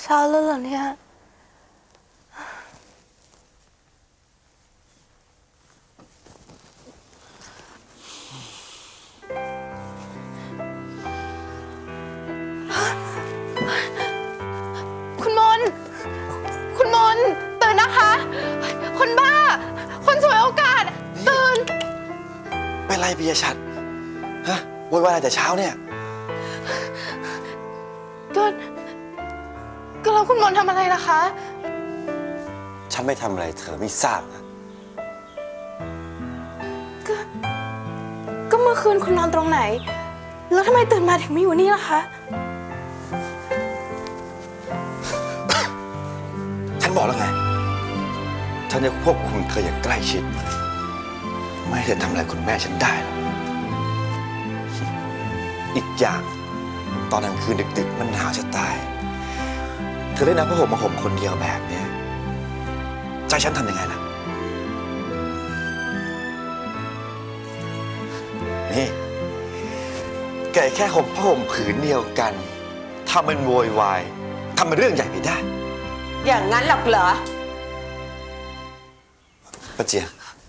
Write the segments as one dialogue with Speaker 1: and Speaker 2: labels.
Speaker 1: เช้าแล้วเหรอเนี่ยคุณมนตื่นนะคะคนบ้าคนสวยโอกาสตื่น
Speaker 2: เป็นไรปิยชัดฮะโวยวายอะไรแต่เช้าเนี่ย
Speaker 1: ก็แล้วคุณมนทำอะไรล่ะคะ
Speaker 2: ฉันไม่ทำอะไรเธอไม่ทราบนะ
Speaker 1: ก็เมื่อคืนคุณนอนตรงไหนแล้วทำไมตื่นมาถึงไม่อยู่นี่ล่ะคะ
Speaker 2: ฉันบอกแล้วไงฉันจะควบคุมเธออย่างใกล้ชิดไม่ให้เธอทำอะไรคุณแม่ฉันได้หรอกอีกอย่างตอนกลางคืนดึกๆมันหนาวจะตายเธอได้นำผ้าห่มมาห่มคนเดียวแบบนี้ใจฉันทำยังไงล่ะนี่แกแค่ห่มผ้าห่มผืนเดียวกันทำเป็นโวยวายทำเป็นเรื่องใหญ่ไปได้
Speaker 3: อย่างนั้นหรอกเหรอ
Speaker 2: ป้าเจียน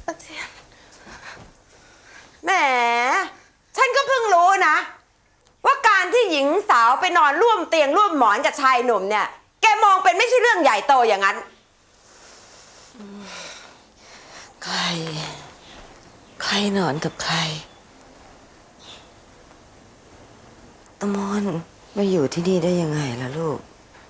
Speaker 3: แหมฉันก็เพิ่งรู้นะว่าการที่หญิงสาวไปนอนร่วมเตียงร่วมหมอนกับชายหนุ่มเนี่ยแกมองเป็นไม่ใช่เรื่องใหญ่โตอย่างนั้น
Speaker 4: ใครนอนกับใครตะมอนมาอยู่ที่นี่ได้ยังไงล่ะลูก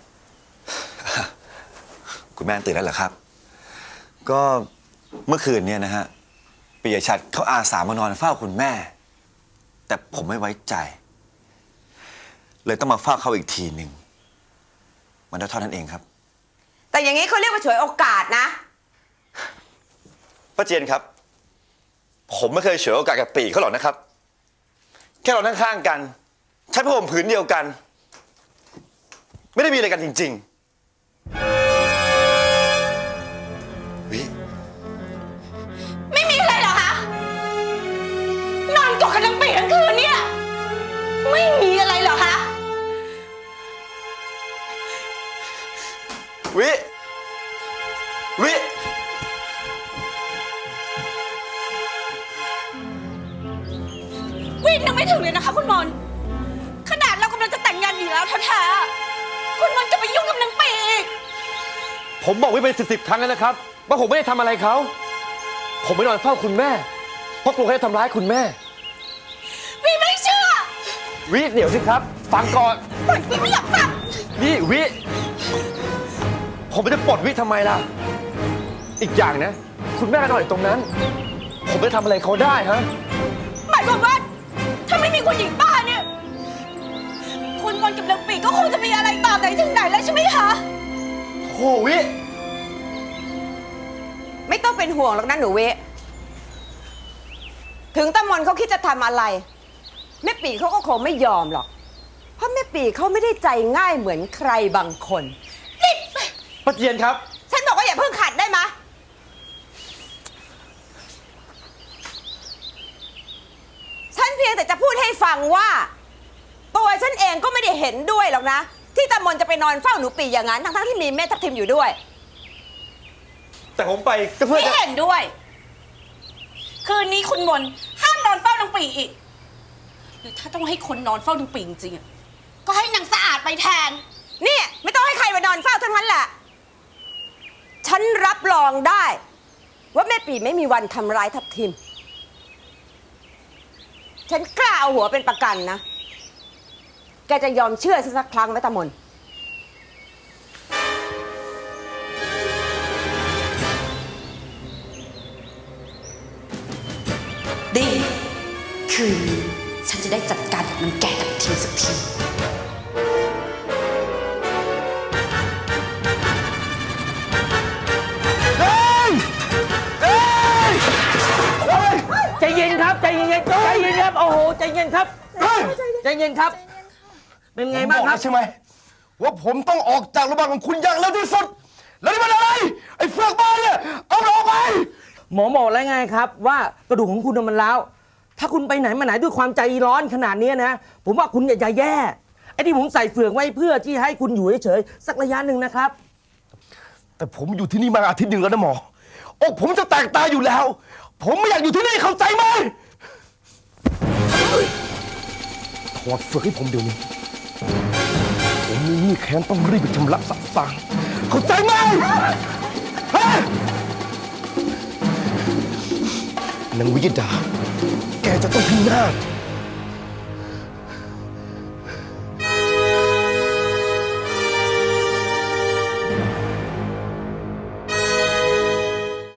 Speaker 2: คุณแม่ตื่นแล้วเหรอครับก็เมื่อคืนเนี่ยนะฮะปิยชัดเขาอาสามานอนเฝ้าคุณแม่แต่ผมไม่ไว้ใจเลยต้องมาเฝ้าเขาอีกทีหนึ่งมันเท่านั้นเองครับ
Speaker 3: แต่อย่างนี้เขาเรียกว่าฉวยโอกาสนะ
Speaker 2: ป้าเจียนครับผมไม่เคยฉวยโอกาสกับปีเขาหรอกนะครับแค่เรานั่งข้างกันใช้ผ้าห่มผืนเดียวกันไม่ได้มีอะไรกันจริงๆวิ
Speaker 1: ไม่มีอะไรเหรอคะนอนกอดกันทั้งปีทั้งคืนเนี่ยไม่มีอะไรเหรอคะ
Speaker 2: วิ
Speaker 1: วินึกไม่ถึงเลยนะคะคุณมนขนาดเรากำลังจะแต่งงานอยู่แล้วแท้ๆคุณมนจะไปยุ่งกับนางปีอีก
Speaker 5: ผมบอกไว้เป็นสิบครั้งแล้วนะครับว่าผมไม่ได้ทำอะไรเขาผมไม่นอนเฝ้าคุณแม่เพราะกลัวเขาจะทำร้ายคุณแม่
Speaker 1: วิไม่เชื่อ
Speaker 5: วิเดี๋ยวสิครับฟังก่อน
Speaker 1: วิไม่อยากฟัง
Speaker 5: วิผมจะปลดวิทำไมล่ะอีกอย่างนะคุณแม่นอนอยู่ตรงนั้นผมไม่ทำอะไรเขาได้ฮะ
Speaker 1: หมายความว่าถ้าไม่มีคุณหญิงป้าเนี่ยคุณมนกับนางปีก็คงจะมีอะไรต่อไหนถึงไหนแล้วใช่ไหมคะ
Speaker 5: โอ้วิ
Speaker 3: ไม่ต้องเป็นห่วงหรอกนะหนูเวถึงตะมนเขาคิดจะทำอะไรแม่ปีเขาก็คงไม่ยอมหรอกเพราะแม่ปีเขาไม่ได้ใจง่ายเหมือนใครบางคน
Speaker 5: ป้าเจียนครับ
Speaker 3: ฉันบอกว่าอย่าเพิ่งขัดได้ไหมฉันเพียงแต่จะพูดให้ฟังว่าตัวฉันเองก็ไม่ได้เห็นด้วยหรอกนะที่ตะมนจะไปนอนเฝ้าหนูปีอย่างนั้นทั้งที่มีแม่ทับทิมอยู่ด้วย
Speaker 5: แต่ผมไปก็เพื่อจะ
Speaker 1: ไม่เห็นด้วยคืนนี้คุณมนห้ามนอนเฝ้านางปีอีกหรือถ้าต้องให้คนนอนเฝ้านางปีจริงๆก็ให้นางสะอาดไปแทน
Speaker 3: นี่ไม่ต้องให้ใครมานอนเฝ้าทั้งนั้นแหละฉันรับรองได้ว่าแม่ปีไม่มีวันทำร้ายทับทิมฉันกล้าเอาหัวเป็นประกันนะแกจะยอมเชื่อสักครั้งไหมตะมน
Speaker 6: ดีคืนฉันจะได้จัดการกับมันแก่ทับทิมสักที
Speaker 5: ใจเย็นครับใจเย็นครับโอ้โหใจเย็นครับใจเย็นครับเป็นไงบ้างครับ
Speaker 7: ใช่ไหมว่าผมต้องออกจากโรงพยาบาลของคุณอย่างเร็วที่สุดแล้วนี่มันอะไรไอ้เฟือกบ้าเนี่ยเอาเราไป
Speaker 5: หมอบอกแล้วไงครับว่ากระดูกของคุณมันร้าวถ้าคุณไปไหนมาไหนด้วยความใจร้อนขนาดนี้นะผมว่าคุณอย่าแย่
Speaker 8: ไอ้ที่ผมใส่เฟือกไว้เพื่อที่ให้คุณอยู่เฉยๆสักระยะหนึ่งนะครับ
Speaker 7: แต่ผมอยู่ที่นี่มาอาทิตย์หนึ่งแล้วนะหมออกผมจะแตกตายอยู่แล้ว ผมไม่อยากอยู่ที่นี่เข้าใจไหมถอดเฟือกให้ผมเดี๋ยวนี้ผมมีหนี้แค้นต้องรีบไปชำระสะสางเข้าใจไหมฮะนางวิยดา แกจะต้องพินาศ